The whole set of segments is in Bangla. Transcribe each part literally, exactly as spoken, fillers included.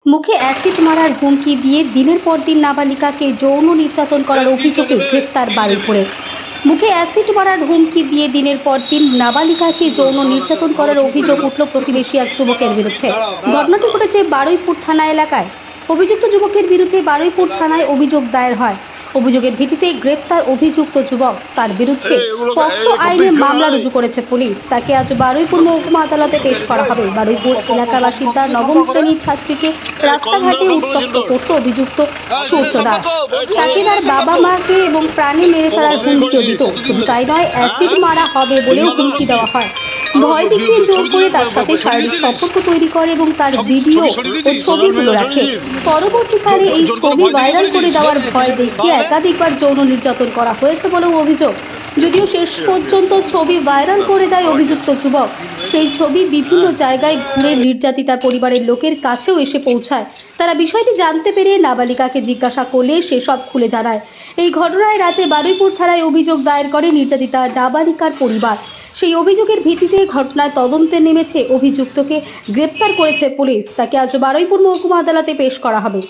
মুখে অ্যাসিড মারার হুমকি দিয়ে দিনের পর দিন নাবালিকাকে যৌন নির্যাতন করার অভিযোগে গ্রেপ্তার বারুইপুরে। মুখে অ্যাসিড মারার হুমকি দিয়ে দিনের পর দিন নাবালিকাকে যৌন নির্যাতন করার অভিযোগ উঠল প্রতিবেশী এক যুবকের বিরুদ্ধে। ঘটনাটি ঘটেছে বারুইপুর থানা এলাকায়। অভিযুক্ত যুবকের বিরুদ্ধে বারুইপুর থানায় অভিযোগ দায়ের হয়। অভিযোগের ভিত্তিতে গ্রেপ্তার অভিযুক্ত যুবক। তার বিরুদ্ধে পক্সো আইনে মামলা রুজু করেছে পুলিশ। তাকে আজ বারুইপুর মহকুমা আদালতে পেশ করা হবে। বারুইপুর এলাকার বাসিন্দা নবম শ্রেণীর ছাত্রীকে রাস্তাঘাটে উত্তপ্ত করতে অভিযুক্ত সূর্য দাস। তাকে তার বাবা মাকে এবং প্রাণে মেরে ফেলার হুমকিও দিত। শুধু তাই নয়, অ্যাসিড মারা হবে বলেও হুমকি দেওয়া হয়। ভয় দেখিয়ে জোর করে তার সাথে শারীরিক সম্পর্ক তৈরি করে এবং তার ভিডিও ও ছবিগুলো রাখে। পরবর্তীকালে এই ছবি ভাইরাল করে দেওয়ার ভয় দেখিয়ে একাধিকবার যৌন নির্যাতন করা হয়েছে বলেও অভিযোগ। যদিও শেষ পর্যন্ত ছবি ভাইরাল করে দেয় অভিযুক্ত যুবক, সেই ছবি বিভিন্ন জায়গায় ঘুরে নির্যাতিতা পরিবারের লোকের কাছেও এসে পৌঁছায়। তারা বিষয়টি জানতে পেরে নাবালিকাকে জিজ্ঞাসা করলে সেসব খুলে জানায়। এই ঘটনায় রাতে বারুইপুর থানায় অভিযোগ দায়ের করে নির্যাতিতা নাবালিকার পরিবার। সেই অভিযোগের ভিত্তিতে ঘটনায় তদন্তে নেমেছে। অভিযুক্তকে গ্রেপ্তার করেছে পুলিশ। তাকে আজ বারুইপুর মহকুমা আদালতে পেশ করা হবে।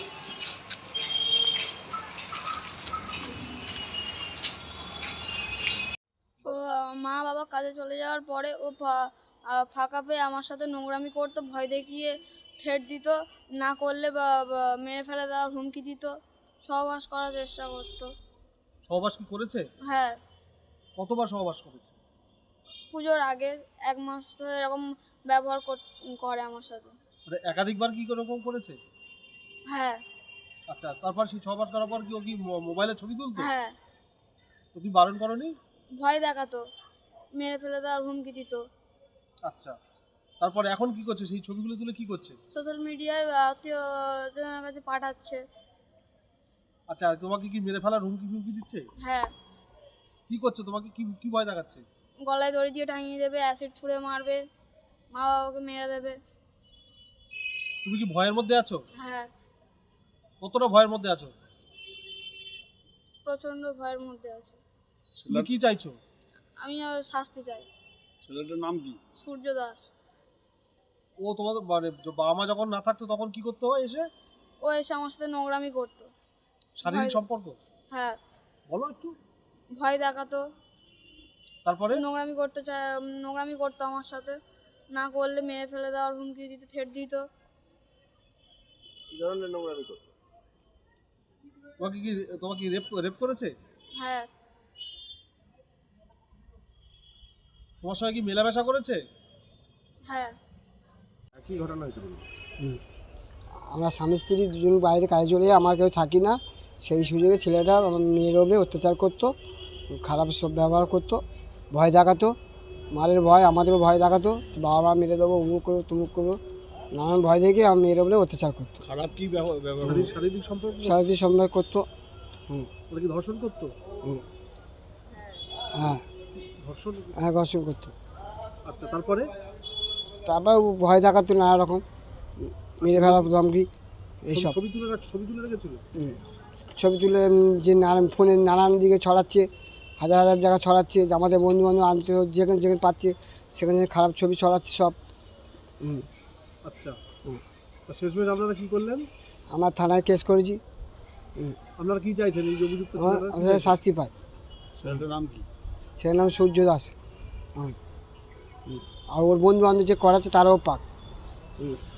ও মা বাবা কাজে চলে যাওয়ার পরে ও ফা- আহ ফাঁকা পেয়ে আমার সাথে নোংরামি করতো, ভয় দেখিয়ে থ্রেট দিত, না করলে বা বা মেরে ফেলে দেওয়ার হুমকি দিত, সহবাস করার চেষ্টা করতো। সহবাস কি করেছে? হ্যাঁ, কতবার সহবাস করেছে? পুজোর আগে এক মাস ধরে এরকম ব্যবহার কর- করে আমার সাথে। মানে একাধিকবার কি এরকম করেছে? হ্যাঁ আচ্ছা, তারপর সেই সহবাস করার পর কি ও কি মো- মোবাইলে ছবি তুলতো? হ্যাঁ, তো তুমি বারণ করনি? ভয় দেখাতো, মেরে ফেলে দেওয়ার হুমকি দিত। আচ্ছা, তারপর এখন কি করছে? সেই ছবিগুলো তুলে কি করছে? সোশ্যাল মিডিয়ায় আত্মীয়জনের কাছে পাঠাচ্ছে। আচ্ছা, আর তোমাকে কি মেরে ফেলার হুমকি হুমকি দিচ্ছে? হ্যাঁ, কি করছে? তোমাকে কি কি ভয় দেখাচ্ছে? গলায় দড়ি দিয়ে টাঙিয়ে দেবে, অ্যাসিড ছুঁড়ে মারবে, মা বাবাকে মেরে দেবে। তুমি কি ভয়ের মধ্যে আছো? হ্যাঁ, কতটা ভয়ের মধ্যে আছো? প্রচন্ড ভয়ের মধ্যে আছে। তুমি কি চাইছো? আমি আর শাস্তি চাই। ছেলেটার নাম কি? সূর্য দাস। ও তোমাদের মানে য- বাবা মা যখন না থাকতো তখন কি করতে হয় এসে? ও এসে আমার সাথে নোংরামি করতো। শারীরিক ভয়- সম্পর্ক? হ্যাঁ, বলো একটু। ভয় দেখাতো, তারপরে? নোংরামি করতে চায়, নোংরামি করতো আমার সাথে, না করলে মেরে ফেলে দেওয়ার হুমকি দিত, থ্রেট দিত। কি ধরনের নোংরামি করতো? তোমাকে কি তোমাকে রেপ রেপ করেছে? হ্যাঁ, তোমার সঙ্গে কি মেলামেশা করেছে? হ্যাঁ, কি ঘটনা হয়েছে বলুন? হুম। আমরা স্বামী স্ত্রী দুজন বাইরে কাজে চলে যাই, আমার কেউ থাকি না। সেই সুযোগে ছেলেটা আমার মেয়ের ওপরে অত্যাচার করতো, খারাপ সব ব্যবহার করতো, ভয় দেখাতো, মারের ভয়, আমাদেরও ভয় দেখাতো, বাবা মা মেরে দেবো, উমুক করবো তুমুক করবো, নানান ভয় দেখে আমার মেয়ের ওপরে অত্যাচার করতো, খারাপ কি ব্যবহার ব্যবহারিক শারীরিক সম্পর্ক? শারীরিক সম্মান করতো। হুম ওরা কি ধর্ষণ করতো? হুম হ্যাঁ ধর্ষণ? হ্যাঁ ঘর্ষণ করতো। আচ্ছা, তারপরে? তারপর ও ভয় দেখাতো নানা রকম, মেরে ফেলা ধমকি এইসব। ছবি তুলে রাখ- ছবি তুলে রেখেছিল? হুম। ছবি তুলে উম, যে নানান ফোনে নানান দিকে ছড়াচ্ছে, হাজার হাজার জায়গা ছড়াচ্ছে, যে আমাদের বন্ধু বান্ধব আনতে যেখানে যেখানে পাচ্ছে সেখানে খারাপ ছবি ছড়াচ্ছে সব। হুম। আচ্ছা, হুম। তা শেষমেশ আপনারা কি করলেন? আমরা থানায় কেস করেছি। হুম। আপনারা কি চাইছেন এই যে অভিযুক্ত আমার ছেলেরা? কি আসলে চাইছেন? শাস্তি পায়। ছেলেটার নাম কি? সেটার নাম সূর্য দাস। হুম। হুম। আর ওর বন্ধু বান্ধব যে করাচ্ছে তারাও পাক। হুম।